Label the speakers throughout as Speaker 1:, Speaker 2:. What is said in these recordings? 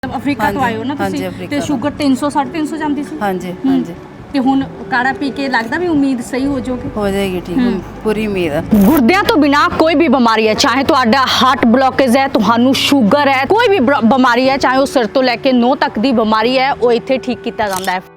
Speaker 1: Africa ਤੋਂ ਆਏ ਹੋ ਨਾ ਤੁਸੀਂ ਤੇ ਸ਼ੂਗਰ 300 350 ਜਾਂਦੀ ਸੀ।
Speaker 2: ਹਾਂਜੀ ਹਾਂਜੀ
Speaker 1: ਤੇ ਹੁਣ ਕਾੜਾ ਪੀ ਕੇ ਲੱਗਦਾ ਵੀ ਉਮੀਦ ਸਹੀ ਹੋ ਜਾਊਗੀ।
Speaker 2: ਹੋ ਜਾਏਗੀ ਠੀਕ ਪੂਰੀ ਉਮੀਦ ਹੈ।
Speaker 1: ਗੁਰਦਿਆਂ ਤੋਂ ਬਿਨਾ ਕੋਈ ਵੀ ਬਿਮਾਰੀ ਹੈ, ਚਾਹੇ ਤੁਹਾਡਾ ਹਾਰਟ ਬਲੌਕੇਜ ਹੈ, ਤੁਹਾਨੂੰ ਸ਼ੂਗਰ ਹੈ, ਕੋਈ ਵੀ ਬਿਮਾਰੀ ਹੈ, ਚਾਹੇ ਉਹ ਸਿਰ ਤੋਂ ਲੈ ਕੇ ਨੋਹ ਤੱਕ ਦੀ ਬਿਮਾਰੀ ਹੈ, ਉਹ ਇੱਥੇ ਠੀਕ ਕੀਤਾ ਜਾਂਦਾ ਹੈ।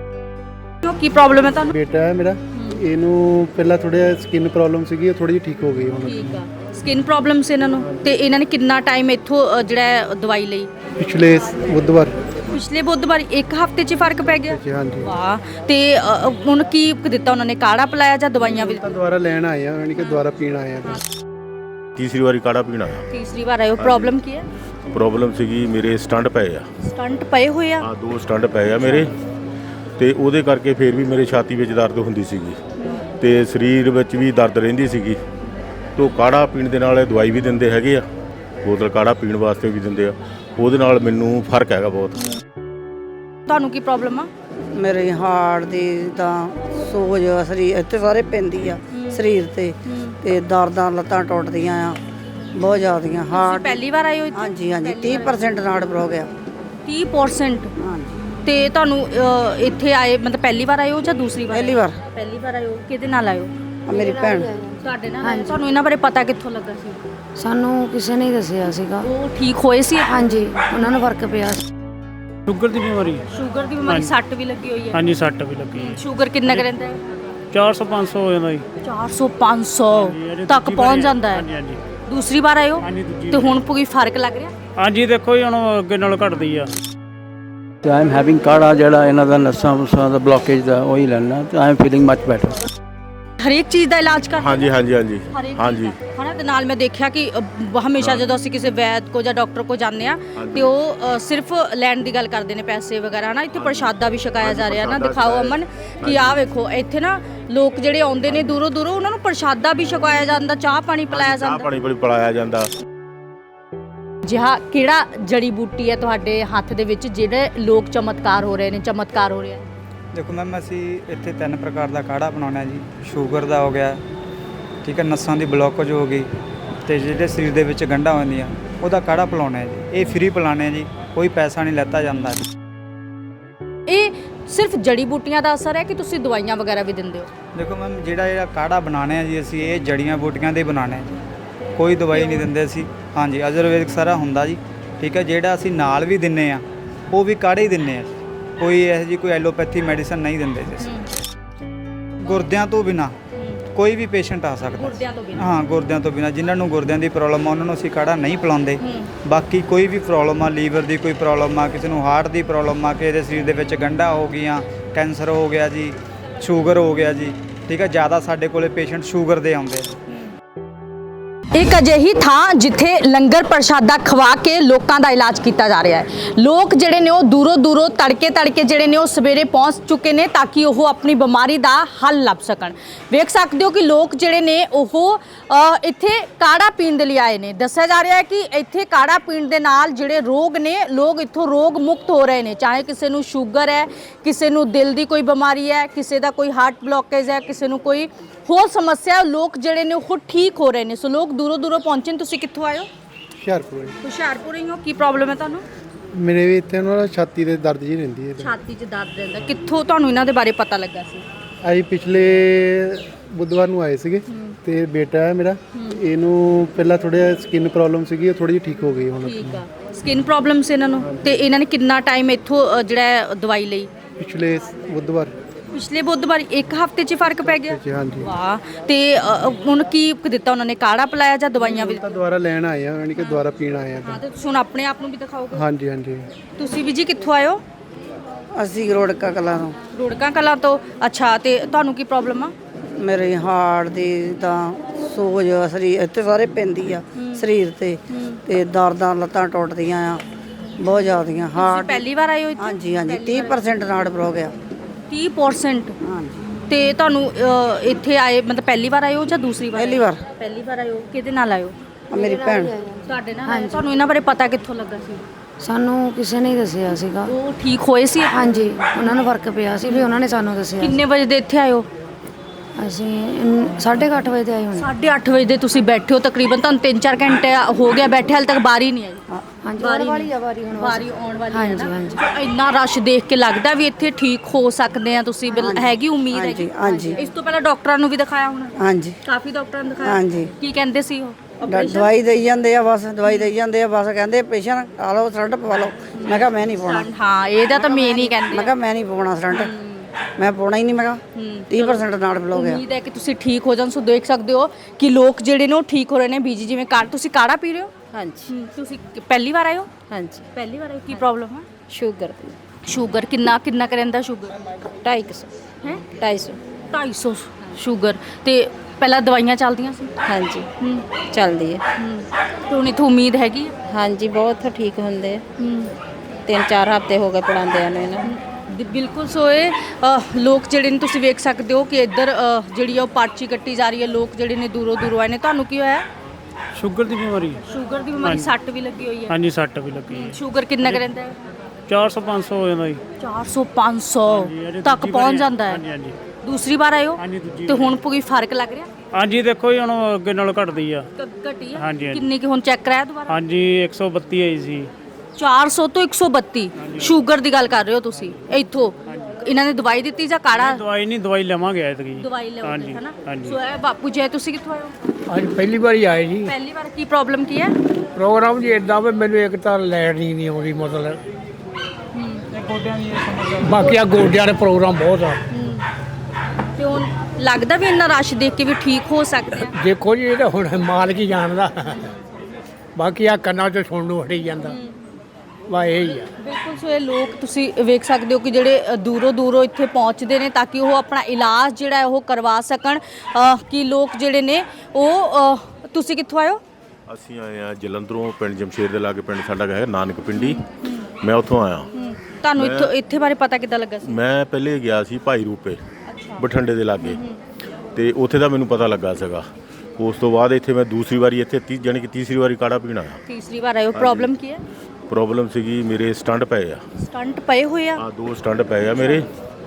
Speaker 1: ਕੀ ਪ੍ਰੋਬਲਮ ਹੈ ਤੁਹਾਨੂੰ?
Speaker 3: ਬੇਟਾ ਹੈ ਮੇਰਾ, ਇਹਨੂੰ ਪਹਿਲਾਂ ਥੋੜਾ ਸਕਿਨ ਪ੍ਰੋਬਲਮ ਸੀਗੀ, ਥੋੜੀ ਜਿਹੀ ਠੀਕ ਹੋ ਗਈ ਹੁਣ।
Speaker 1: ਠੀਕ ਆ, ਸਕਿਨ ਪ੍ਰੋਬਲਮ ਸੀ ਇਹਨਾਂ ਨੂੰ। ਤੇ ਇਹਨਾਂ ਨੇ ਕਿੰਨਾ ਟਾਈਮ ਇੱਥੋਂ ਜਿਹੜਾ ਦਵਾਈ ਲਈ?
Speaker 3: ਪਿਛਲੇ ਬੁੱਧਵਾਰ।
Speaker 1: ਪਿਛਲੇ ਬੁੱਧਵਾਰ, ਇੱਕ ਹਫ਼ਤੇ 'ਚ ਫਰਕ ਪੈ ਗਿਆ?
Speaker 3: ਹਾਂਜੀ।
Speaker 1: ਵਾਹ। ਤੇ ਹੁਣ ਕੀ ਦਿੱਤਾ ਉਹਨਾਂ ਨੇ? ਕਾੜਾ ਪਿਲਾਇਆ ਜਾਂ ਦਵਾਈਆਂ ਵੀ?
Speaker 3: ਦੁਬਾਰਾ ਲੈਣ ਆਏ ਆ, ਯਾਨੀ ਕਿ ਦੁਬਾਰਾ ਪੀਣ ਆਏ ਆ।
Speaker 4: ਤੀਸਰੀ ਵਾਰੀ ਕਾੜਾ ਪੀਣ ਆਇਆ।
Speaker 1: ਤੀਸਰੀ ਵਾਰ ਆਏ ਹੋ। ਪ੍ਰੋਬਲਮ ਕੀ ਹੈ?
Speaker 4: ਪ੍ਰੋਬਲਮ ਸੀਗੀ ਮੇਰੇ ਸਟੰਟ ਪਏ ਆ।
Speaker 1: ਸਟੰਟ ਪਏ ਹੋਏ ਆ?
Speaker 4: ਹਾਂ, 2 ਸਟੰਟ ਪਏ ਆ ਮੇਰੇ, ਤੇ ਉਹਦੇ ਕਰਕੇ ਫਿਰ ਵੀ ਮੇਰੇ ਛਾਤੀ ਵਿੱਚ ਦਰਦ ਹੁੰਦੀ ਸੀਗੀ ਤੇ ਸਰੀਰ ਵਿੱਚ ਵੀ ਦਰਦ ਰਹਿੰਦੀ ਸੀਗੀ। ਤੋਂ ਕਾੜਾ ਪੀਣ ਦੇ ਨਾਲ ਦਵਾਈ ਵੀ ਦਿੰਦੇ ਹੈਗੇ ਆ, ਬੋਤਲ ਕਾੜਾ ਪੀਣ ਵਾਸਤੇ ਵੀ ਦਿੰਦੇ ਆ, ਉਹਦੇ ਨਾਲ ਮੈਨੂੰ ਫਰਕ ਹੈਗਾ ਬਹੁਤ।
Speaker 1: ਤੁਹਾਨੂੰ ਕੀ ਪ੍ਰੋਬਲਮ ਆ?
Speaker 2: ਮੇਰੇ ਹਾਰਟ ਦੀ ਤਾਂ ਸੋਜ ਸਰੀਰ ਇੱਥੇ ਸਾਰੇ ਪੈਂਦੀ ਆ ਸਰੀਰ ਤੇ ਦਰਦਾਂ ਲੱਤਾਂ ਟੁੱਟਦੀਆਂ ਆ ਬਹੁਤ ਜ਼ਿਆਦੀਆਂ। ਹਾਰਟ
Speaker 1: ਪਹਿਲੀ ਵਾਰ ਆਏ ਹੋ ਇੱਥੇ?
Speaker 2: ਹਾਂਜੀ ਹਾਂਜੀ 30% ਨਾੜ ਹੋ ਗਿਆ।
Speaker 1: 30%?
Speaker 2: ਹਾਂਜੀ।
Speaker 1: ਤੇ ਤੁਹਾਨੂੰ ਇੱਥੇ ਆਏ ਮਤਲਬ ਪਹਿਲੀ ਵਾਰ ਆਏ ਹੋ ਜਾਂ ਦੂਸਰੀ ਵਾਰ?
Speaker 2: ਪਹਿਲੀ ਵਾਰ।
Speaker 1: ਪਹਿਲੀ ਵਾਰ ਆਏ ਹੋ। ਕਿਹਦੇ ਨਾਲ ਆਏ ਹੋ?
Speaker 2: ਮੇਰੀ ਭੈਣ।
Speaker 1: ਤੁਹਾਡੇ ਨਾਲ? ਤੁਹਾਨੂੰ ਇਹਨਾਂ ਬਾਰੇ ਪਤਾ ਕਿੱਥੋਂ ਲੱਗਾ ਸੀ?
Speaker 5: ਸਾਨੂੰ ਕਿਸੇ ਨੇ ਦੱਸਿਆ ਸੀਗਾ।
Speaker 1: ਉਹ ਠੀਕ ਹੋਏ ਸੀ?
Speaker 5: ਹਾਂਜੀ, ਉਹਨਾਂ ਨੂੰ ਫਰਕ ਪਿਆ।
Speaker 6: ਸ਼ੂਗਰ ਦੀ ਬਿਮਾਰੀ।
Speaker 1: ਸ਼ੂਗਰ ਦੀ ਬਿਮਾਰੀ? ਸੱਟ ਵੀ ਲੱਗੀ ਹੋਈ ਹੈ?
Speaker 6: ਹਾਂਜੀ, ਸੱਟ ਵੀ ਲੱਗੀ ਹੈ।
Speaker 1: ਸ਼ੂਗਰ ਕਿੰਨਾ ਕਰਦਾ ਹੈ?
Speaker 6: 400 500 ਹੋ ਜਾਂਦਾ ਜੀ।
Speaker 1: 400 500 ਤੱਕ ਪਹੁੰਚ ਜਾਂਦਾ ਹੈ?
Speaker 6: ਹਾਂਜੀ ਹਾਂਜੀ।
Speaker 1: ਦੂਸਰੀ ਵਾਰ ਆਏ ਹੋ
Speaker 6: ਹਾਂਜੀ, ਦੂਜੀ
Speaker 1: ਤੇ ਹੁਣ ਕੋਈ ਫਰਕ ਲੱਗ ਰਿਹਾ?
Speaker 6: ਹਾਂਜੀ, ਦੇਖੋ ਜੀ ਹੁਣ ਅੱਗੇ ਨਾਲੋਂ ਘਟਦੀ ਆ।
Speaker 7: ਤੇ ਆਈ ਐਮ ਹੈਵਿੰਗ ਕਾੜਾ ਜਿਹੜਾ ਇਹਨਾਂ ਦਾ ਨਸਾਂ ਦਾ ਬਲੌਕੇਜ ਦਾ ਉਹੀ ਲੈਣਾ ਤੇ I am feeling much better.
Speaker 1: ਹਰੇਕ ਚੀਜ਼ ਦਾ ਇਲਾਜ ਕਰਦੇ?
Speaker 4: ਹਾਂਜੀ ਹਾਂਜੀ ਹਾਂਜੀ ਹਾਂਜੀ।
Speaker 1: ਹਨਾ, ਤੇ ਨਾਲ ਮੈਂ ਦੇਖਿਆ ਕਿ ਹਮੇਸ਼ਾ ਜਦੋਂ ਅਸੀਂ ਕਿਸੇ ਵੈਦ ਕੋ ਜਾਂ ਡਾਕਟਰ ਕੋ ਜਾਂਦੇ ਆ ਤੇ ਉਹ ਸਿਰਫ ਲੈਣ ਦੀ ਗੱਲ ਕਰਦੇ ਨੇ, ਪੈਸੇ ਵਗੈਰਾ ਨਾ। ਇੱਥੇ ਪ੍ਰਸ਼ਾਦਾ ਵੀ ਛਕਾਇਆ ਜਾ ਰਿਹਾ ਨਾ। ਦਿਖਾਓ ਅਮਨ ਕਿ ਆਹ ਵੇਖੋ, ਇੱਥੇ ਨਾ ਲੋਕ ਜਿਹੜੇ ਆਉਂਦੇ ਨੇ ਦੂਰੋਂ ਦੂਰੋਂ, ਉਹਨਾਂ ਨੂੰ ਪ੍ਰਸ਼ਾਦਾ ਵੀ ਛਕਾਇਆ ਜਾਂਦਾ, ਚਾਹ ਪਾਣੀ ਪਿਲਾਇਆ ਜਾਂਦਾ।
Speaker 4: ਚਾਹ ਪਾਣੀ ਪਿਲਾਇਆ ਜਾਂਦਾ।
Speaker 1: ਜਿਹਾ ਕਿਹੜਾ ਜੜੀ ਬੂਟੀ ਹੈ ਤੁਹਾਡੇ ਹੱਥ ਦੇ ਵਿੱਚ ਜਿਹੜੇ ਲੋਕ ਚਮਤਕਾਰ ਹੋ ਰਹੇ ਨੇ, ਚਮਤਕਾਰ ਹੋ ਰਿਹਾ?
Speaker 8: ਦੇਖੋ ਮੈਮ, ਅਸੀਂ ਇੱਥੇ 3 ਪ੍ਰਕਾਰ ਦਾ ਕਾੜਾ ਬਣਾਉਣਾ ਜੀ। ਸ਼ੂਗਰ ਦਾ ਹੋ ਗਿਆ, ਠੀਕ ਹੈ, ਨਸਾਂ ਦੀ ਬਲੌਕੇਜ ਹੋ ਗਈ, ਤੇ ਜਿਹੜੇ ਸਰੀਰ ਦੇ ਵਿੱਚ ਗੰਢਾਂ ਹੁੰਦੀਆਂ ਉਹਦਾ ਕਾੜਾ ਪਿਲਾਉਣਾ ਹੈ ਜੀ। ਇਹ ਫ੍ਰੀ ਪਿਲਾਉਣਾ ਜੀ, ਕੋਈ ਪੈਸਾ ਨਹੀਂ ਲੈਤਾ ਜਾਂਦਾ।
Speaker 1: ਇਹ ਸਿਰਫ ਜੜੀ ਬੂਟੀਆਂ ਦਾ ਅਸਰ ਹੈ ਕਿ ਤੁਸੀਂ ਦਵਾਈਆਂ ਵਗੈਰਾ ਵੀ ਦਿੰਦੇ ਹੋ?
Speaker 8: ਦੇਖੋ ਮੈਮ, ਜਿਹੜਾ ਕਾੜਾ ਬਣਾਉਣਾ ਹੈ ਜੀ ਅਸੀਂ, ਇਹ ਜੜੀਆਂ ਬੂਟੀਆਂ ਦੇ ਬਣਾਉਣਾ ਹੈ ਜੀ, ਕੋਈ ਦਵਾਈ ਨਹੀਂ ਦਿੰਦੇ ਅਸੀਂ। ਹਾਂਜੀ, ਆਯੁਰਵੈਦਿਕ ਸਾਰਾ ਹੁੰਦਾ ਜੀ, ਠੀਕ ਹੈ। ਜਿਹੜਾ ਅਸੀਂ ਨਾਲ ਵੀ ਦਿੰਨੇ ਆ ਉਹ ਵੀ ਕਾੜੇ ਹੀ ਦਿੰਨੇ ਆ, ਕੋਈ ਇਹੋ ਜਿਹੀ ਕੋਈ ਐਲੋਪੈਥੀ ਮੈਡੀਸਨ ਨਹੀਂ ਦਿੰਦੇ ਜੀ ਅਸੀਂ। ਗੁਰਦਿਆਂ ਤੋਂ ਬਿਨਾ ਕੋਈ ਵੀ ਪੇਸ਼ੈਂਟ ਆ ਸਕਦਾ।
Speaker 1: ਗੁਰਦਿਆਂ ਤੋਂ ਬਿਨਾ? ਹਾਂ,
Speaker 8: ਗੁਰਦਿਆਂ ਤੋਂ ਬਿਨਾ। ਜਿਨ੍ਹਾਂ ਨੂੰ ਗੁਰਦਿਆਂ ਦੀ ਪ੍ਰੋਬਲਮ ਆ ਉਹਨਾਂ ਨੂੰ ਅਸੀਂ ਕਾੜਾ ਨਹੀਂ ਪਿਲਾਉਂਦੇ। ਬਾਕੀ ਕੋਈ ਵੀ ਪ੍ਰੋਬਲਮ ਆ, ਲੀਵਰ ਦੀ ਕੋਈ ਪ੍ਰੋਬਲਮ ਆ, ਕਿਸੇ ਨੂੰ ਹਾਰਟ ਦੀ ਪ੍ਰੋਬਲਮ ਆ, ਕਿਸੇ ਦੇ ਸਰੀਰ ਦੇ ਵਿੱਚ ਗੰਢਾਂ ਹੋ ਗਈਆਂ, ਕੈਂਸਰ ਹੋ ਗਿਆ ਜੀ, ਸ਼ੂਗਰ ਹੋ ਗਿਆ ਜੀ, ਠੀਕ ਹੈ। ਜ਼ਿਆਦਾ ਸਾਡੇ ਕੋਲੇ ਪੇਸ਼ੈਂਟ ਸ਼ੂਗਰ ਦੇ ਆਉਂਦੇ ਆ।
Speaker 1: ਇੱਕ ਅਜਿਹੀ ਥਾਂ ਜਿੱਥੇ ਲੰਗਰ ਪ੍ਰਸ਼ਾਦਾ ਖਵਾ ਕੇ ਲੋਕਾਂ ਦਾ ਇਲਾਜ ਕੀਤਾ ਜਾ ਰਿਹਾ ਹੈ। ਲੋਕ ਜਿਹੜੇ ਨੇ ਉਹ ਦੂਰੋਂ ਦੂਰੋਂ ਤੜਕੇ ਜਿਹੜੇ ਨੇ ਉਹ ਸਵੇਰੇ ਪਹੁੰਚ ਚੁੱਕੇ ਨੇ ਤਾਂ ਕਿ ਉਹ ਆਪਣੀ ਬਿਮਾਰੀ ਦਾ ਹੱਲ ਲੱਭ ਸਕਣ। ਵੇਖ ਸਕਦੇ ਹੋ ਕਿ ਲੋਕ ਜਿਹੜੇ ਨੇ ਉਹ ਇੱਥੇ ਕਾੜਾ ਪੀਣ ਦੇ ਲਈ ਆਏ ਨੇ। ਦੱਸਿਆ ਜਾ ਰਿਹਾ ਹੈ ਕਿ ਇੱਥੇ ਕਾੜਾ ਪੀਣ ਦੇ ਨਾਲ ਜਿਹੜੇ ਰੋਗ ਨੇ, ਲੋਕ ਇੱਥੋਂ ਰੋਗ ਮੁਕਤ ਹੋ ਰਹੇ ਨੇ। ਚਾਹੇ ਕਿਸੇ ਨੂੰ ਸ਼ੂਗਰ ਹੈ, ਕਿਸੇ ਨੂੰ ਦਿਲ ਦੀ ਕੋਈ ਬਿਮਾਰੀ ਹੈ, ਕਿਸੇ ਦਾ ਕੋਈ ਹਾਰਟ ਬਲੌਕੇਜ ਹੈ, ਕਿਸੇ ਨੂੰ ਕੋਈ ਹੋਰ ਸਮੱਸਿਆ, ਲੋਕ ਜਿਹੜੇ ਨੇ ਉਹ ਠੀਕ ਹੋ ਰਹੇ ਨੇ। ਸੋ ਲੋਕ ਦੂਰੋਂ ਦੂਰੋਂ ਪਹੁੰਚੇ ਨੇ। ਤੁਸੀਂ ਕਿੱਥੋਂ ਆਏ ਹੋ?
Speaker 3: ਹੁਸ਼ਿਆਰਪੁਰ।
Speaker 1: ਹੁਸ਼ਿਆਰਪੁਰ ਹੀ ਹੋ। ਕੀ ਪ੍ਰੋਬਲਮ ਹੈ ਤੁਹਾਨੂੰ?
Speaker 3: ਮੇਰੇ ਵੀ ਇੱਥੇ ਨਾ ਛਾਤੀ ਦੇ ਦਰਦ ਜੀ ਰਹਿੰਦੀ ਹੈ।
Speaker 1: ਛਾਤੀ 'ਚ ਦਰਦ ਰਹਿੰਦਾ। ਕਿੱਥੋਂ ਤੁਹਾਨੂੰ ਇਹਨਾਂ ਦੇ ਬਾਰੇ ਪਤਾ ਲੱਗਾ ਸੀ?
Speaker 3: ਅਸੀਂ ਪਿਛਲੇ ਬੁੱਧਵਾਰ ਨੂੰ ਆਏ ਸੀਗੇ ਤੇ ਬੇਟਾ ਹੈ ਮੇਰਾ, ਇਹਨੂੰ ਪਹਿਲਾਂ ਥੋੜਾ ਸਕਿਨ ਪ੍ਰੋਬਲਮ ਸੀਗੀ, ਥੋੜੀ ਜਿਹੀ ਠੀਕ ਹੋ ਗਈ ਹੁਣ।
Speaker 1: ਠੀਕ ਆ, ਸਕਿਨ ਪ੍ਰੋਬਲਮ ਸੀ ਇਹਨਾਂ ਨੂੰ। ਤੇ ਇਹਨਾਂ ਨੇ ਕਿੰਨਾ ਟਾਈਮ ਇੱਥੋਂ ਜਿਹੜਾ ਦਵਾਈ ਲਈ?
Speaker 3: ਪਿਛਲੇ ਬੁੱਧਵਾਰ।
Speaker 1: ਪਿਛਲੇ ਬੁੱਧਵਾਰ, ਇੱਕ ਹਫ਼ਤੇ 'ਚ ਫਰਕ ਪੈ ਗਿਆ?
Speaker 3: ਹਾਂਜੀ।
Speaker 1: ਵਾਹ। ਤੇ ਹੁਣ ਕੀ ਦਿੱਤਾ ਉਹਨਾਂ ਨੇ? ਕਾੜਾ ਪਿਲਾਇਆ ਜਾਂ ਦਵਾਈਆਂ ਵੀ?
Speaker 3: ਦੁਬਾਰਾ ਲੈਣ ਆਏ ਆ, ਯਾਨੀ ਕਿ ਦੁਬਾਰਾ ਪੀਣ ਆਏ ਆ।
Speaker 1: ਹਾਂ, ਤੇ ਤੁਸੀਂ ਹੁਣ ਆਪਣੇ ਆਪ ਨੂੰ ਵੀ ਦਿਖਾਓਗੇ?
Speaker 3: ਹਾਂਜੀ ਹਾਂਜੀ।
Speaker 1: ਤੁਸੀਂ ਵੀ ਜੀ ਕਿੱਥੋਂ ਆਏ ਹੋ?
Speaker 2: ਅਸੀਂ ਰੋੜਕਾ ਕਲਾਂ ਤੋਂ।
Speaker 1: ਰੁੜਕਾ ਕਲਾਂ ਤੋਂ? ਅੱਛਾ, ਤੇ ਤੁਹਾਨੂੰ ਕੀ ਪ੍ਰੋਬਲਮ ਆ?
Speaker 2: ਮੇਰੇ ਹਾਰਟ ਦੀ ਤਾਂ ਸੋਜ ਸਰੀਰ ਇੱਥੇ ਸਾਰੇ ਪੈਂਦੀ ਆ ਸਰੀਰ ਤੇ ਦਰਦਾਂ ਲੱਤਾਂ ਟੁੱਟਦੀਆਂ ਆ ਬਹੁਤ ਜ਼ਿਆਦੀਆਂ। ਹਾਰਟ।
Speaker 1: ਪਹਿਲੀ ਵਾਰ ਆਏ ਹੋ ਇੱਥੇ?
Speaker 2: ਹਾਂਜੀ ਹਾਂਜੀ 30% ਨਾੜ ਹੋ ਗਿਆ।
Speaker 1: 30%?
Speaker 2: ਹਾਂਜੀ।
Speaker 1: ਤੇ ਤੁਹਾਨੂੰ ਇੱਥੇ ਆਏ ਮਤਲਬ ਪਹਿਲੀ ਵਾਰ ਆਏ ਹੋ ਜਾਂ ਦੂਸਰੀ ਵਾਰ?
Speaker 2: ਪਹਿਲੀ ਵਾਰ।
Speaker 1: ਪਹਿਲੀ ਵਾਰ ਆਏ ਹੋ। ਕਿਹਦੇ ਨਾਲ ਆਏ ਹੋ?
Speaker 2: ਮੇਰੀ ਭੈਣ।
Speaker 1: ਤੁਹਾਡੇ ਨਾਲ? ਤੁਹਾਨੂੰ ਇਹਨਾਂ ਬਾਰੇ ਪਤਾ ਕਿੱਥੋਂ ਲੱਗਾ ਸੀ?
Speaker 5: ਸਾਨੂੰ ਕਿਸੇ ਨੇ ਦੱਸਿਆ ਸੀਗਾ।
Speaker 1: ਉਹ ਠੀਕ ਹੋਏ ਸੀ?
Speaker 5: ਹਾਂਜੀ, ਉਹਨਾਂ ਨੂੰ ਫਰਕ ਪਿਆ ਸੀ ਵੀ ਉਹਨਾਂ ਨੇ ਸਾਨੂੰ ਦੱਸਿਆ।
Speaker 1: ਕਿੰਨੇ ਵਜੇ ਦੇ ਇੱਥੇ ਆਏ ਹੋ?
Speaker 5: ਅਸੀਂ 8:30 ਵਜੇ ਦੇ ਆਏ ਹੁਣ।
Speaker 1: 8:30 ਵਜੇ ਦੇ ਤੁਸੀਂ ਬੈਠੇ ਹੋ ਤਕਰੀਬਨ। ਤੁਹਾਨੂੰ 3-4 ਘੰਟੇ ਹੋ ਗਿਆ ਬੈਠੇ, ਹਾਲੇ ਤੱਕ ਬਾਰੀ ਨਹੀਂ ਆਈ।
Speaker 5: ਹਾਂਜੀ ਆਉਣ ਵਾਲੀ ਆ ਵਾਰੀ ਹੁਣ ਬਸ।
Speaker 1: ਵਾਰੀ ਆਉਣ ਵਾਲੀ ਹੈ
Speaker 5: ਹਾਂਜੀ
Speaker 1: ਨਾ
Speaker 5: ਹਾਂਜੀ
Speaker 1: ਇੰਨਾ ਰਸ਼ ਦੇਖ ਕੇ ਲੱਗਦਾ ਵੀ ਇੱਥੇ ਠੀਕ ਹੋ ਸਕਦੇ ਆ ਤੁਸੀਂ ਹੈਗੀ ਉਮੀਦ ਹੈਗੀ
Speaker 2: ਹਾਂਜੀ
Speaker 1: ਇਸ ਤੋਂ ਪਹਿਲਾਂ ਡਾਕਟਰਾਂ ਨੂੰ ਵੀ ਦਿਖਾਇਆ ਹੋਣਾ
Speaker 2: ਹਾਂਜੀ
Speaker 1: ਕਾਫੀ ਡਾਕਟਰਾਂ ਨੂੰ ਦਿਖਾਇਆ
Speaker 2: ਹਾਂਜੀ।
Speaker 1: ਕੀ ਕਹਿੰਦੇ ਸੀ ਉਹ
Speaker 2: ਦਵਾਈ ਦੇਈ ਜਾਂਦੇ ਆ ਬਸ ਦਵਾਈ ਦੇਈ ਜਾਂਦੇ ਆ ਬਸ ਕਹਿੰਦੇ ਪੇਸ਼ੈਂਟ ਆ ਲਓ ਸਿਰੰਟ ਪਵਾ ਲਓ ਮੈਂ ਕਿਹਾ ਮੈਂ ਨਹੀਂ ਪਾਉਣਾ
Speaker 1: ਹਾਂ ਇਹਦਾ ਤਾਂ ਮੇਨ ਹੀ ਕਹਿੰਦੇ
Speaker 2: ਮੈਂ ਕਿਹਾ ਮੈਂ ਨਹੀਂ ਪਾਉਣਾ ਸਿਰੰਟ ਮੈਂ ਪਾਉਣਾ ਹੀ ਨਹੀਂ ਮੈਂ ਕਿਹਾ 30% ਨਾਲ ਬਲੋ ਗਿਆ
Speaker 1: ਉਮੀਦ ਹੈ ਕਿ ਤੁਸੀਂ ਠੀਕ ਹੋ ਜਾਣ। ਸੋ ਦੇਖ ਸਕਦੇ ਹੋ ਕਿ ਲੋਕ ਜਿਹੜੇ ਨੇ ਉਹ ਠੀਕ ਹੋ ਰਹੇ ਨੇ ਬੀਜੀ ਜਿਵੇਂ ਤੁਸੀਂ ਕਾੜਾ ਪੀ ਰਹੇ ਹੋ
Speaker 5: ਹਾਂਜੀ
Speaker 1: ਤੁਸੀਂ ਪਹਿਲੀ ਵਾਰ ਆਏ ਹੋ
Speaker 5: ਹਾਂਜੀ
Speaker 1: ਪਹਿਲੀ ਵਾਰ ਆਏ ਕੀ ਪ੍ਰੋਬਲਮ ਹੈ
Speaker 5: ਸ਼ੂਗਰ
Speaker 1: ਸ਼ੂਗਰ ਕਿੰਨਾ ਕਰੰਦਾ ਸ਼ੂਗਰ
Speaker 5: 250
Speaker 1: ਹੈ
Speaker 5: 250
Speaker 1: 250 ਸ਼ੂਗਰ ਤੇ ਪਹਿਲਾਂ ਦਵਾਈਆਂ ਚੱਲਦੀਆਂ ਸੀ
Speaker 5: ਹਾਂਜੀ ਚੱਲਦੀ ਹੈ
Speaker 1: ਤੇ ਹੁਣ ਇੱਥੋਂ ਉਮੀਦ ਹੈਗੀ ਹੈ
Speaker 5: ਹਾਂਜੀ ਬਹੁਤ ਠੀਕ ਹੁੰਦੇ ਆ 3-4 ਹਫ਼ਤੇ ਹੋ ਗਏ ਪੜਾਉਂਦਿਆਂ ਨੂੰ ਇਹਨਾਂ ਨੂੰ
Speaker 1: ਬਿਲਕੁਲ ਸੋ ਇਹ ਲੋਕ ਜਿਹੜੇ ਨੇ ਤੁਸੀਂ ਵੇਖ ਸਕਦੇ ਹੋ ਕਿ ਇੱਧਰ ਜਿਹੜੀ ਆ ਉਹ ਪਰਚੀ ਕੱਟੀ ਜਾ ਰਹੀ ਹੈ। ਲੋਕ ਜਿਹੜੇ ਨੇ ਦੂਰੋਂ ਆਏ ਨੇ। ਤੁਹਾਨੂੰ ਕੀ ਹੋਇਆ
Speaker 6: ਸ਼ੂਗਰ ਦੀ ਬਿਮਾਰੀ
Speaker 1: ਸ਼ੂਗਰ ਦੀ ਬਿਮਾਰੀ ਸੱਟ ਵੀ ਲੱਗੀ ਹੋਈ ਹੈ
Speaker 6: ਹਾਂਜੀ ਸੱਟ ਵੀ ਲੱਗੀ ਹੈ
Speaker 1: ਸ਼ੂਗਰ ਕਿੰਨਾ ਕਰੰਦਾ ਹੈ
Speaker 6: 400-500 ਹੋ ਜਾਂਦਾ ਜੀ
Speaker 1: 400-500
Speaker 6: ਅਜੇ
Speaker 1: ਤੱਕ
Speaker 6: ਦੂਜੀ
Speaker 1: ਪਹੁੰਚ
Speaker 6: ਵਾਰੀ-
Speaker 1: ਜਾਂਦਾ ਹੈ
Speaker 6: ਹਾਂਜੀ ਹਾਂਜੀ
Speaker 1: ਦੂਸਰੀ ਵਾਰ ਆਇਓ
Speaker 6: ਹਾਂਜੀ ਦੂਜੀ
Speaker 1: ਤੇ ਹੁਣ ਕੋਈ ਫਰਕ ਲੱਗ ਰਿਹਾ
Speaker 6: ਹਾਂਜੀ ਦੇਖੋ ਜੀ ਹੁਣ ਅੱਗੇ ਨਾਲੋਂ ਘਟਦੀ ਆ
Speaker 1: ਘਟੀ ਹੈ
Speaker 6: ਹਾਂਜੀ, ਹਾਂਜੀ।
Speaker 1: ਕਿੰਨੀ ਕਿ ਹੁਣ ਚੈੱਕ ਕਰਾਇਆ ਦੁਬਾਰਾ
Speaker 6: ਹਾਂਜੀ 132 ਆਈ ਸੀ
Speaker 1: 400 ਤੋਂ 132 ਸ਼ੂਗਰ ਦੀ ਗੱਲ ਕਰ ਰਹੇ ਹੋ ਤੁਸੀਂ ਇੱਥੋਂ ਇਹਨਾਂ ਨੇ ਦਵਾਈ ਦਿੱਤੀ ਜਾਂ ਕਾੜਾ
Speaker 6: ਦਵਾਈ ਨਹੀਂ ਦਵਾਈ ਲਵਾਂਗੇ ਐਤਕੀ
Speaker 1: ਦਵਾਈ ਲਓਗੇ
Speaker 6: ਹਾਂਜੀ,
Speaker 1: ਹੈ ਨਾ
Speaker 6: ਹਾਂਜੀ।
Speaker 1: ਸੋ ਇਹ ਬਾਪੂ ਜੀ ਤੁਸੀਂ ਕਿੱਥੋਂ ਆਏ ਹੋ
Speaker 9: ਅੱਜ ਪਹਿਲੀ ਵਾਰੀ ਆਏ ਜੀ
Speaker 1: ਪਹਿਲੀ ਵਾਰ ਕੀ ਪ੍ਰੋਬਲਮ ਕੀ ਹੈ
Speaker 9: ਪ੍ਰੋਗਰਾਮ ਜੀ ਇਦਾਂ ਵੀ ਮੈਨੂੰ ਇੱਕ ਤਾਂ ਲੈਟ ਨਹੀਂ ਆਉਂਦੀ ਮਤਲਬ ਬਾਕੀ ਆ ਗੋਡਿਆਂ ਦੇ ਪ੍ਰੋਗਰਾਮ ਬਹੁਤ ਆ
Speaker 1: ਤੇ ਹੁਣ ਲੱਗਦਾ ਵੀ ਇੰਨਾ ਰਸ਼ ਦੇਖ ਕੇ ਵੀ ਠੀਕ ਹੋ ਸਕਦੇ ਆ
Speaker 9: ਦੇਖੋ ਜੀ ਇਹ ਤਾਂ ਹੁਣ ਮਾਲਕ ਹੀ ਜਾਣਦਾ ਬਾਕੀ ਆ ਕੰਨਾਂ 'ਚ ਸੁਣਨ ਨੂੰ ਹਟੀ ਜਾਂਦਾ ਵਾ ਇਹ ਹੀ ਆ
Speaker 1: ਬਿਲਕੁਲ ਸੋ ਇਹ ਲੋਕ ਤੁਸੀਂ ਵੇਖ ਸਕਦੇ ਹੋ ਕਿ ਜਿਹੜੇ ਦੂਰੋਂ ਇੱਥੇ ਪਹੁੰਚਦੇ ਨੇ ਤਾਂ ਕਿ ਉਹ ਆਪਣਾ ਇਲਾਜ ਜਿਹੜਾ ਹੈ ਉਹ ਕਰਵਾ ਸਕਣ ਕਿ ਲੋਕ ਜਿਹੜੇ ਨੇ ਉਹ ਤੁਸੀਂ ਕਿੱਥੋਂ ਆਏ ਹੋ
Speaker 4: ਅਸੀਂ ਆਏ ਆ ਜਲੰਧਰੋਂ ਪਿੰਡ ਜਮਸ਼ੇਰ ਦੇ ਲਾਗੇ ਪਿੰਡ ਸਾਡਾ ਹੈਗਾ ਨਾਨਕ ਪਿੰਡੀ ਮੈਂ ਉੱਥੋਂ ਆਇਆ
Speaker 1: ਤੁਹਾਨੂੰ ਇੱਥੇ ਬਾਰੇ ਪਤਾ ਕਿੱਦਾਂ ਲੱਗਾ ਸੀ
Speaker 4: ਮੈਂ ਪਹਿਲੇ ਗਿਆ ਸੀ ਭਾਈ ਰੂਪੇ ਬਠਿੰਡੇ ਦੇ ਲਾਗੇ ਤੇ ਉੱਥੇ ਦਾ ਮੈਨੂੰ ਪਤਾ ਲੱਗਾ ਸੀਗਾ ਉਸ ਤੋਂ ਬਾਅਦ ਇੱਥੇ ਮੈਂ ਦੂਸਰੀ ਵਾਰੀ ਇੱਥੇ ਜਾਣੀ ਕਿ ਤੀਸਰੀ ਵਾਰੀ ਕਾੜਾ ਪੀਣ ਆਇਆ
Speaker 1: ਤੀਸਰੀ ਵਾਰ ਆਏ ਹੋ ਪ੍ਰੋਬਲਮ ਕੀ ਹੈ
Speaker 4: ਪ੍ਰੋਬਲਮ ਸੀਗੀ ਮੇਰੇ ਸਟੰਟ ਪਏ ਆ
Speaker 1: ਸਟੰਟ ਪਏ ਹੋਏ ਆ
Speaker 4: 2 ਸਟੰਟ ਪਏ ਆ ਮੇਰੇ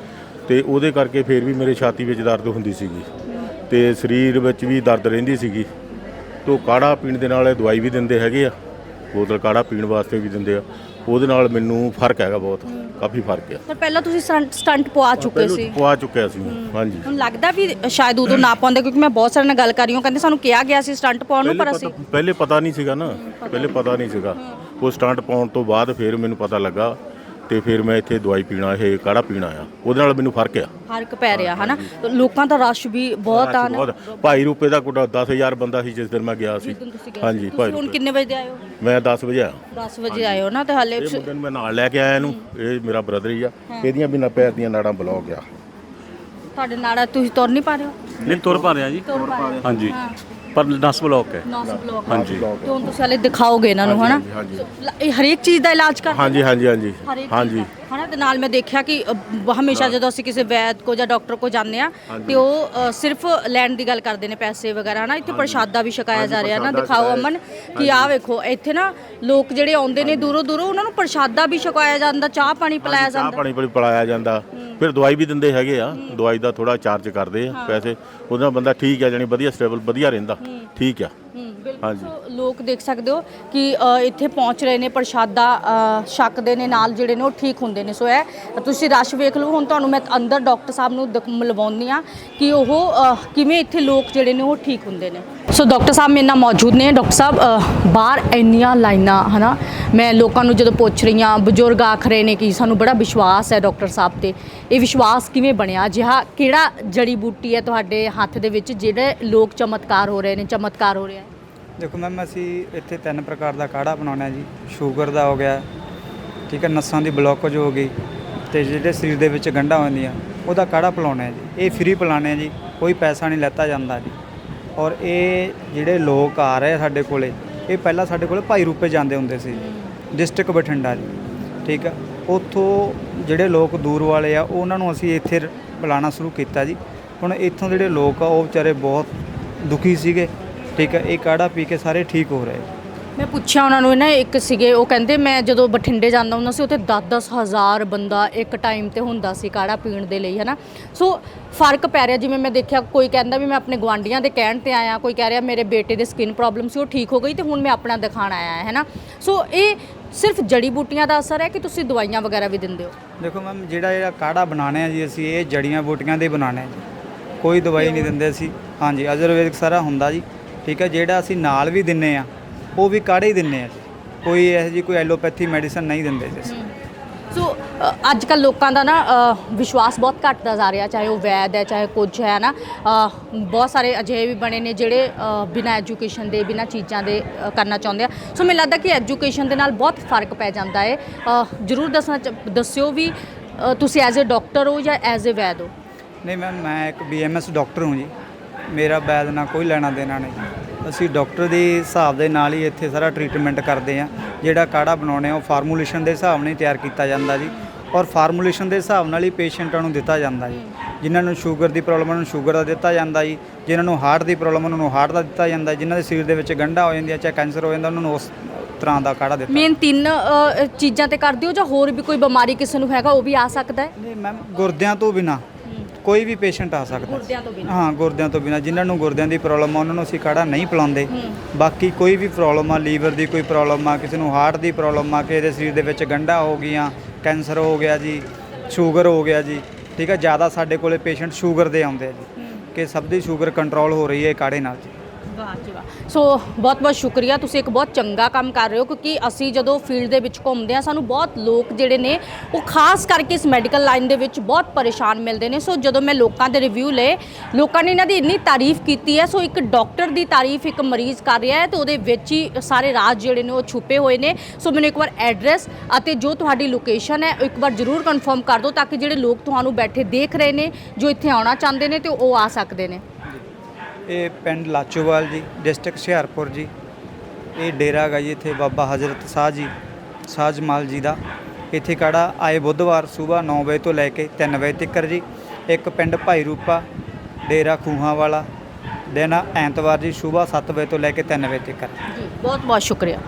Speaker 4: ਤੇ ਉਹਦੇ ਕਰਕੇ ਫਿਰ ਵੀ ਮੇਰੇ ਛਾਤੀ ਵਿੱਚ ਦਰਦ ਹੁੰਦੀ ਸੀਗੀ ਤੇ ਸਰੀਰ ਵਿੱਚ ਵੀ ਦਰਦ ਰਹਿੰਦੀ ਸੀਗੀ ਤੋ ਕਾੜਾ ਪੀਣ ਦੇ ਨਾਲ ਦਵਾਈ ਵੀ ਦਿੰਦੇ ਹੈਗੇ ਆ ਬੋਤਲ ਕਾੜਾ ਪੀਣ ਵਾਸਤੇ ਵੀ ਦਿੰਦੇ ਆ ਉਹਦੇ ਨਾਲ ਮੈਨੂੰ ਫਰਕ ਹੈਗਾ ਬਹੁਤ ਕਾਫੀ ਫਰਕ ਆ
Speaker 1: ਪਰ ਪਹਿਲਾਂ ਤੁਸੀਂ ਸਟੰਟ ਪਵਾ ਚੁੱਕੇ ਸੀ
Speaker 4: ਪਵਾ ਚੁੱਕਿਆ ਸੀ ਹਾਂਜੀ
Speaker 1: ਹੁਣ ਲੱਗਦਾ ਵੀ ਸ਼ਾਇਦ ਉਦੋਂ ਨਾ ਪਾਉਂਦੇ ਕਿਉਂਕਿ ਮੈਂ ਬਹੁਤ ਸਾਰਿਆਂ ਨਾਲ ਗੱਲ ਕਰ ਰਹੀ ਹਾਂ ਕਹਿੰਦੇ ਸਾਨੂੰ ਕਿਹਾ ਗਿਆ ਸੀ ਸਟੰਟ ਪਾਉਣ ਨੂੰ ਪਰ ਅਸੀਂ
Speaker 4: ਪਹਿਲੇ ਪਤਾ ਨਹੀਂ ਸੀਗਾ ਨਾ ਪਹਿਲੇ ਪਤਾ ਨਹੀਂ ਸੀਗਾ ਉਹ ਸਟੰਟ ਪਾਉਣ ਤੋਂ ਬਾਅਦ ਫਿਰ ਮੈਨੂੰ ਪਤਾ ਲੱਗਾ ਤੇ ਫਿਰ ਮੈਂ ਇੱਥੇ ਦਵਾਈ ਪੀਣਾ ਇਹ ਕਾੜਾ ਪੀਣਾ ਆ ਉਹਦੇ ਨਾਲ ਮੈਨੂੰ ਫਰਕ ਆ
Speaker 1: ਫਰਕ ਪੈ ਰਿਹਾ ਹਨਾ ਲੋਕਾਂ ਦਾ ਰਸ਼ ਵੀ ਬਹੁਤ ਆ ਨਾ
Speaker 4: ਭਾਈ ਰੂਪੇ ਦਾ ਕੋਟਾ 10000 ਬੰਦਾ ਸੀ ਜਿਸ ਦਿਨ ਮੈਂ ਗਿਆ ਸੀ ਹਾਂਜੀ ਭਾਈ
Speaker 1: ਹੁਣ ਕਿੰਨੇ ਵਜੇ ਆਏ ਹੋ
Speaker 4: ਮੈਂ 10 ਵਜੇ ਆਇਆ
Speaker 1: 10 ਵਜੇ ਆਏ ਹੋ ਨਾ ਤੇ ਹਾਲੇ
Speaker 4: ਇਹ ਮੁੰਡੇ ਨੂੰ ਮੈਂ ਨਾਲ ਲੈ ਕੇ ਆਇਆ ਇਹਨੂੰ ਇਹ ਮੇਰਾ ਬ੍ਰਦਰ ਹੀ ਆ ਇਹਦੀਆਂ ਵੀ ਨਾ ਪੈਰ ਦੀਆਂ ਨਾੜਾਂ ਬਲੌਕ ਆ
Speaker 1: ਤੁਹਾਡੇ ਨਾਲ ਤੁਸੀਂ ਤੁਰ ਨਹੀਂ ਪਾ ਰਹੇ ਹੋ
Speaker 10: ਨਹੀਂ ਤੁਰ ਪਾ ਰਿਹਾ ਜੀ
Speaker 1: ਤੁਰ ਪਾ ਰਹੇ ਹੋ
Speaker 10: ਹਾਂਜੀ ਪਰ ਨਸ ਬਲੌਕ ਹੈ
Speaker 1: ਨਸ ਬਲੌਕ
Speaker 10: ਹਾਂਜੀ
Speaker 1: ਤੇ ਹੁਣ ਤੁਸੀਂ ਹਾਲੇ ਦਿਖਾਓਗੇ ਇਹਨਾਂ ਨੂੰ ਹਨਾ ਇਹ ਹਰੇਕ ਚੀਜ਼ ਦਾ ਇਲਾਜ ਕਰਦੇ
Speaker 4: ਹਾਂਜੀ ਹਾਂਜੀ ਹਾਂਜੀ
Speaker 1: ਹਰੇਕ
Speaker 4: ਹਾਂਜੀ
Speaker 1: ਹਨਾ ਤੇ ਨਾਲ ਮੈਂ ਦੇਖਿਆ ਕਿ ਹਮੇਸ਼ਾ ਜਦੋਂ ਅਸੀਂ ਕਿਸੇ ਵੈਦ ਕੋ ਜਾਂ ਡਾਕਟਰ ਕੋ ਜਾਂਦੇ ਆ ਤੇ ਉਹ ਸਿਰਫ ਲੈਣ ਦੀ ਗੱਲ ਕਰਦੇ ਨੇ ਪੈਸੇ ਵਗੈਰਾ ਨਾ ਇੱਥੇ ਪ੍ਰਸ਼ਾਦਾ ਵੀ ਛਕਾਇਆ ਜਾ ਰਿਹਾ ਨਾ ਦਿਖਾਓ ਅਮਨ ਕਿ ਆਹ ਵੇਖੋ ਇੱਥੇ ਨਾ ਲੋਕ ਜਿਹੜੇ ਆਉਂਦੇ ਨੇ ਦੂਰੋਂ ਉਹਨਾਂ ਨੂੰ ਪ੍ਰਸ਼ਾਦਾ ਵੀ ਛਕਾਇਆ ਜਾਂਦਾ ਚਾਹ ਪਾਣੀ ਪਿਲਾਇਆ ਜਾਂਦਾ
Speaker 4: ਚਾਹ ਪਾਣੀ ਪਿਲਾਇਆ ਜਾਂਦਾ ਫਿਰ ਦਵਾਈ ਵੀ ਦਿੰਦੇ ਹੈਗੇ ਆ ਦਵਾਈ ਦਾ ਥੋੜਾ ਚਾਰਜ ਕਰਦੇ ਆ ਪੈਸੇ ਉਹਦੇ ਨਾਲ ਬੰਦਾ ਠੀਕ ਆ ਜਾਨੀ ਵਧੀਆ ਸਟੇਬਲ ਵਧੀਆ ਰਹਿੰਦਾ ਠੀਕ ਆ ਹਾਂਜੀ
Speaker 1: ਲੋਕ ਦੇਖ ਸਕਦੇ ਹੋ ਕਿ ਇੱਥੇ ਪਹੁੰਚ ਰਹੇ ਨੇ ਪ੍ਰਸ਼ਾਦਾ ਛਕਦੇ ਨੇ ਨਾਲ ਜਿਹੜੇ ਨੇ ਉਹ ਠੀਕ ਹੁੰਦੇ ਨੇ ਸੋ ਇਹ ਤੁਸੀਂ ਰਸ਼ ਵੇਖ ਲਓ ਹੁਣ ਤੁਹਾਨੂੰ ਮੈਂ ਅੰਦਰ ਡਾਕਟਰ ਸਾਹਿਬ ਨੂੰ ਮਿਲਵਾਉਂਦੀ ਆ ਕਿ ਉਹ ਕਿਵੇਂ ਇੱਥੇ ਲੋਕ ਜਿਹੜੇ ਨੇ ਉਹ ਠੀਕ ਹੁੰਦੇ ਨੇ ਸੋ ਡਾਕਟਰ ਸਾਹਿਬ ਮੇਰੇ ਨਾਲ ਮੌਜੂਦ ਨੇ ਡਾਕਟਰ ਸਾਹਿਬ ਬਾਹਰ ਇੰਨੀਆਂ ਲਾਈਨਾਂ ਹਨਾ ਮੈਂ ਲੋਕਾਂ ਨੂੰ ਜਦੋਂ ਪੁੱਛ ਰਹੀ ਹਾਂ ਬਜ਼ੁਰਗ ਆਖ ਰਹੇ ਨੇ ਕਿ ਸਾਨੂੰ ਬੜਾ ਵਿਸ਼ਵਾਸ ਹੈ ਡਾਕਟਰ ਸਾਹਿਬ ਤੇ ਇਹ ਵਿਸ਼ਵਾਸ ਕਿਵੇਂ ਬਣਿਆ ਜਿਹਾ ਕਿਹੜਾ ਜੜੀ ਬੂਟੀ ਹੈ ਤੁਹਾਡੇ ਹੱਥ ਦੇ ਵਿੱਚ ਜਿਹੜੇ ਲੋਕ ਚਮਤਕਾਰ ਹੋ ਰਹੇ ਨੇ ਚਮਤਕਾਰ ਹੋ ਰਿਹਾ ਹੈ
Speaker 8: ਦੇਖੋ ਮੈਮ ਅਸੀਂ ਇੱਥੇ 3 ਪ੍ਰਕਾਰ ਦਾ ਕਾੜਾ ਬਣਾਉਣਾ ਜੀ ਸ਼ੂਗਰ ਦਾ ਹੋ ਗਿਆ ਠੀਕ ਹੈ ਨਸਾਂ ਦੀ ਬਲੌਕੇਜ ਹੋ ਗਈ ਤੇ ਜਿਹੜੇ ਸਰੀਰ ਦੇ ਵਿੱਚ ਗੰਢਾਂ ਹੁੰਦੀਆਂ ਉਹਦਾ ਕਾੜਾ ਪਿਲਾਉਣਾ ਜੀ ਇਹ ਫ੍ਰੀ ਪਿਲਾਉਣੇ ਜੀ ਕੋਈ ਪੈਸਾ ਨਹੀਂ ਲੈਤਾ ਜਾਂਦਾ ਜੀ ਔਰ ਇਹ ਜਿਹੜੇ ਲੋਕ ਆ ਰਹੇ ਸਾਡੇ ਕੋਲੇ ਇਹ ਪਹਿਲਾਂ ਸਾਡੇ ਕੋਲੇ ਭਾਈ ਰੂਪੇ ਜਾਂਦੇ ਹੁੰਦੇ ਸੀ ਡਿਸਟ੍ਰਿਕਟ ਬਠਿੰਡਾ ਜੀ ਠੀਕ ਆ ਉੱਥੋਂ ਜਿਹੜੇ ਲੋਕ ਦੂਰ ਵਾਲੇ ਆ ਉਹਨਾਂ ਨੂੰ ਅਸੀਂ ਇੱਥੇ ਬੁਲਾਉਣਾ ਸ਼ੁਰੂ ਕੀਤਾ ਜੀ ਹੁਣ ਇੱਥੋਂ ਜਿਹੜੇ ਲੋਕ ਆ ਉਹ ਵਿਚਾਰੇ ਬਹੁਤ ਦੁਖੀ ਸੀਗੇ ਠੀਕ ਹੈ ਇਹ ਕਾੜਾ ਪੀ ਕੇ ਸਾਰੇ ਠੀਕ ਹੋ ਰਹੇ
Speaker 1: ਮੈਂ ਪੁੱਛਿਆ ਉਹਨਾਂ ਨੂੰ ਨਾ, ਇੱਕ ਸੀਗੇ ਉਹ ਕਹਿੰਦੇ ਮੈਂ ਜਦੋਂ ਬਠਿੰਡੇ ਜਾਂਦਾ ਹੁੰਦਾ ਸੀ ਉੱਥੇ 10-10 ਹਜ਼ਾਰ ਬੰਦਾ ਇੱਕ ਟਾਈਮ ਤੇ ਹੁੰਦਾ ਸੀ ਕਾੜਾ ਪੀਣ ਦੇ ਲਈ, ਹੈ ਨਾ। ਸੋ ਫਰਕ ਪੈ ਰਿਹਾ, ਜਿਵੇਂ ਮੈਂ ਦੇਖਿਆ ਕੋਈ ਕਹਿੰਦਾ ਵੀ ਮੈਂ ਆਪਣੇ ਗੁਆਂਢੀਆਂ ਦੇ ਕਹਿਣ ਤੇ ਆਇਆ, ਕੋਈ ਕਹਿ ਰਿਹਾ ਮੇਰੇ ਬੇਟੇ ਦੇ ਸਕਿਨ ਪ੍ਰੋਬਲਮ ਸੀ ਉਹ ਠੀਕ ਹੋ ਗਈ ਤੇ ਹੁਣ ਮੈਂ ਆਪਣਾ ਦਿਖਾਣ ਆਇਆ ਹੈ ਨਾ। ਸੋ ਇਹ ਸਿਰਫ ਜੜੀ ਬੂਟੀਆਂ ਦਾ ਅਸਰ ਹੈ ਕਿ ਤੁਸੀਂ ਦਵਾਈਆਂ ਵਗੈਰਾ ਵੀ ਦਿੰਦੇ ਹੋ?
Speaker 8: ਦੇਖੋ ਮੈਮ, ਜਿਹੜਾ ਕਾੜਾ ਬਣਾਉਣੇ ਆ ਜੀ ਅਸੀਂ, ਇਹ ਜੜੀਆਂ ਬੂਟੀਆਂ ਦੇ ਬਣਾਉਣੇ ਆ ਜੀ, ਕੋਈ ਦਵਾਈ ਨਹੀਂ ਦਿੰਦੇ ਅਸੀਂ। ਹਾਂਜੀ, ਆਯੁਰਵੈਦਿਕ ਸਾਰਾ ਹੁੰਦਾ ਜੀ, ਠੀਕ ਹੈ। ਜਿਹੜਾ ਅਸੀਂ ਨਾਲ ਵੀ ਦਿੰਨੇ ਆ ਉਹ ਵੀ ਕਾੜੇ ਹੀ ਦਿੰਨੇ ਆ ਜੀ, ਕੋਈ ਇਹੋ ਜਿਹੀ ਕੋਈ ਐਲੋਪੈਥੀ ਮੈਡੀਸਨ ਨਹੀਂ ਦਿੰਦੇ ਜੀ ਅਸੀਂ।
Speaker 1: ਸੋ ਅੱਜ ਕੱਲ੍ਹ ਲੋਕਾਂ ਦਾ ਨਾ ਵਿਸ਼ਵਾਸ ਬਹੁਤ ਘਟਦਾ ਜਾ ਰਿਹਾ, ਚਾਹੇ ਉਹ ਵੈਦ ਹੈ ਚਾਹੇ ਕੁਝ ਹੈ ਨਾ। ਬਹੁਤ ਸਾਰੇ ਅਜਿਹੇ ਵੀ ਬਣੇ ਨੇ ਜਿਹੜੇ ਬਿਨਾਂ ਐਜੂਕੇਸ਼ਨ ਦੇ ਬਿਨਾਂ ਚੀਜ਼ਾਂ ਦੇ ਕਰਨਾ ਚਾਹੁੰਦੇ ਆ। ਸੋ ਮੈਨੂੰ ਲੱਗਦਾ ਕਿ ਐਜੂਕੇਸ਼ਨ ਦੇ ਨਾਲ ਬਹੁਤ ਫਰਕ ਪੈ ਜਾਂਦਾ ਹੈ। ਜ਼ਰੂਰ ਦੱਸਿਓ ਵੀ ਤੁਸੀਂ ਐਜ਼ ਅ ਡਾਕਟਰ ਹੋ ਜਾਂ ਐਜ਼ ਅ ਵੈਦ ਹੋ?
Speaker 8: ਨਹੀਂ ਮੈਮ, ਮੈਂ ਇੱਕ BMS ਡਾਕਟਰ ਹਾਂ ਜੀ, ਮੇਰਾ ਵੈਦ ਨਾਲ ਕੋਈ ਲੈਣਾ ਦੇਣਾ ਨਹੀਂ। ਅਸੀਂ ਡਾਕਟਰ ਦੇ ਹਿਸਾਬ ਦੇ ਨਾਲ ਹੀ ਇੱਥੇ ਸਾਰਾ ਟਰੀਟਮੈਂਟ ਕਰਦੇ ਹਾਂ। ਜਿਹੜਾ ਕਾੜਾ ਬਣਾਉਣੇ ਆ ਉਹ ਫਾਰਮੂਲੇਸ਼ਨ ਦੇ ਹਿਸਾਬ ਨਾਲ ਹੀ ਤਿਆਰ ਕੀਤਾ ਜਾਂਦਾ ਜੀ, ਔਰ ਫਾਰਮੂਲੇਸ਼ਨ ਦੇ ਹਿਸਾਬ ਨਾਲ ਹੀ ਪੇਸ਼ੈਂਟਾਂ ਨੂੰ ਦਿੱਤਾ ਜਾਂਦਾ ਜੀ। ਜਿਨ੍ਹਾਂ ਨੂੰ ਸ਼ੂਗਰ ਦੀ ਪ੍ਰੋਬਲਮ ਉਹਨਾਂ ਨੂੰ ਸ਼ੂਗਰ ਦਾ ਦਿੱਤਾ ਜਾਂਦਾ ਜੀ, ਜਿਨ੍ਹਾਂ ਨੂੰ ਹਾਰਟ ਦੀ ਪ੍ਰੋਬਲਮ ਉਹਨਾਂ ਨੂੰ ਹਾਰਟ ਦਾ ਦਿੱਤਾ ਜਾਂਦਾ, ਜਿਨ੍ਹਾਂ ਦੇ ਸਰੀਰ ਦੇ ਵਿੱਚ ਗੰਢਾਂ ਹੋ ਜਾਂਦੀਆਂ ਚਾਹੇ ਕੈਂਸਰ ਹੋ ਜਾਂਦਾ ਉਹਨਾਂ ਨੂੰ ਉਸ ਤਰ੍ਹਾਂ ਦਾ ਕਾੜਾ ਦਿੱਤਾ।
Speaker 1: ਮੇਨ 3 ਚੀਜ਼ਾਂ ਤੇ ਕਰਦੇ ਹੋ ਜਾਂ ਹੋਰ ਵੀ ਕੋਈ ਬਿਮਾਰੀ ਕਿਸੇ ਨੂੰ ਹੈਗਾ ਉਹ ਵੀ ਆ ਸਕਦਾ ਹੈ?
Speaker 8: ਨਹੀਂ ਮੈਮ, ਗੁਰਦਿਆਂ ਤੋਂ ਬਿਨਾ ਕੋਈ ਵੀ ਪੇਸ਼ੈਂਟ ਆ ਸਕਦਾ।
Speaker 1: ਗੁਰਦਿਆਂ ਤੋਂ ਬਿਨਾਂ?
Speaker 8: ਹਾਂ, ਗੁਰਦਿਆਂ ਤੋਂ ਬਿਨਾ। ਜਿਨ੍ਹਾਂ ਨੂੰ ਗੁਰਦਿਆਂ ਦੀ ਪ੍ਰੋਬਲਮ ਆ ਉਹਨਾਂ ਨੂੰ ਅਸੀਂ ਕਾੜਾ ਨਹੀਂ ਪਿਲਾਉਂਦੇ। ਬਾਕੀ ਕੋਈ ਵੀ ਪ੍ਰੋਬਲਮ ਆ, ਲੀਵਰ ਦੀ ਕੋਈ ਪ੍ਰੋਬਲਮ ਆ, ਕਿਸੇ ਨੂੰ ਹਾਰਟ ਦੀ ਪ੍ਰੋਬਲਮ ਆ, ਕਿਸੇ ਦੇ ਸਰੀਰ ਦੇ ਵਿੱਚ ਗੰਢਾਂ ਹੋ ਗਈਆਂ, ਕੈਂਸਰ ਹੋ ਗਿਆ ਜੀ, ਸ਼ੂਗਰ ਹੋ ਗਿਆ ਜੀ, ਠੀਕ ਹੈ। ਜ਼ਿਆਦਾ ਸਾਡੇ ਕੋਲੇ ਪੇਸ਼ੈਂਟ ਸ਼ੂਗਰ ਦੇ ਆਉਂਦੇ ਆ ਜੀ, ਕਿ ਸਭ ਦੀ ਸ਼ੂਗਰ ਕੰਟਰੋਲ ਹੋ ਰਹੀ ਹੈ ਕਾੜੇ ਨਾਲ ਜੀ।
Speaker 1: ਵਾਹ ਜੀ ਵਾਹ। ਸੋ ਬਹੁਤ ਬਹੁਤ ਸ਼ੁਕਰੀਆ, ਤੁਸੀਂ ਇੱਕ ਬਹੁਤ ਚੰਗਾ ਕੰਮ ਕਰ ਰਹੇ ਹੋ, ਕਿਉਂਕਿ ਅਸੀਂ ਜਦੋਂ ਫੀਲਡ ਦੇ ਵਿੱਚ ਘੁੰਮਦੇ ਹਾਂ ਸਾਨੂੰ ਬਹੁਤ ਲੋਕ ਜਿਹੜੇ ਨੇ ਉਹ ਖਾਸ ਕਰਕੇ ਇਸ ਮੈਡੀਕਲ ਲਾਈਨ ਦੇ ਵਿੱਚ ਬਹੁਤ ਪਰੇਸ਼ਾਨ ਮਿਲਦੇ ਨੇ। ਸੋ ਜਦੋਂ ਮੈਂ ਲੋਕਾਂ ਦੇ ਰਿਵਿਊ ਲਏ, ਲੋਕਾਂ ਨੇ ਇਹਨਾਂ ਦੀ ਇੰਨੀ ਤਾਰੀਫ ਕੀਤੀ ਹੈ। ਸੋ ਇੱਕ ਡਾਕਟਰ ਦੀ ਤਾਰੀਫ ਇੱਕ ਮਰੀਜ਼ ਕਰ ਰਿਹਾ ਹੈ ਤੇ ਉਹਦੇ ਵਿੱਚ ਹੀ ਸਾਰੇ ਰਾਜ ਜਿਹੜੇ ਨੇ ਉਹ ਛੁਪੇ ਹੋਏ ਨੇ। ਸੋ ਮੈਨੂੰ ਇੱਕ ਵਾਰ ਐਡਰੈਸ ਅਤੇ ਜੋ ਤੁਹਾਡੀ ਲੋਕੇਸ਼ਨ ਹੈ ਇੱਕ ਵਾਰ ਜ਼ਰੂਰ ਕਨਫਰਮ ਕਰ ਦਿਓ, ਤਾਂ ਕਿ ਜਿਹੜੇ ਲੋਕ ਤੁਹਾਨੂੰ ਬੈਠੇ ਦੇਖ ਰਹੇ ਨੇ ਜੋ ਇੱਥੇ ਆਉਣਾ ਚਾਹੁੰਦੇ ਨੇ ਤੇ ਉਹ ਆ ਸਕਦੇ ਨੇ।
Speaker 8: ਇਹ ਪਿੰਡ ਲਾਚੋਵਾਲ ਜੀ, ਡਿਸਟ੍ਰਿਕਟ ਹੁਸ਼ਿਆਰਪੁਰ ਜੀ। ਇਹ ਡੇਰਾ ਹੈਗਾ ਜੀ ਇੱਥੇ ਬਾਬਾ ਹਜ਼ਰਤ ਸ਼ਾਹ ਜੀ, ਸ਼ਾਹ ਜਮਾਲ ਜੀ ਦਾ। ਇੱਥੇ ਕਾੜਾ ਆਏ ਬੁੱਧਵਾਰ ਸਵੇਰ 9 ਵਜੇ ਤੋਂ ਲੈ ਕੇ 3 ਵਜੇ ਤੱਕ ਜੀ। ਇੱਕ ਪਿੰਡ ਭਾਈ ਰੂਪਾ, ਡੇਰਾ ਖੂਹਾਂ ਵਾਲਾ, ਦਿਨ ਐਤਵਾਰ ਜੀ ਸਵੇਰ 7 ਵਜੇ ਤੋਂ ਲੈ ਕੇ 3 ਵਜੇ ਤੱਕ।
Speaker 1: ਜੀ ਬਹੁਤ ਬਹੁਤ ਸ਼ੁਕਰੀਆ।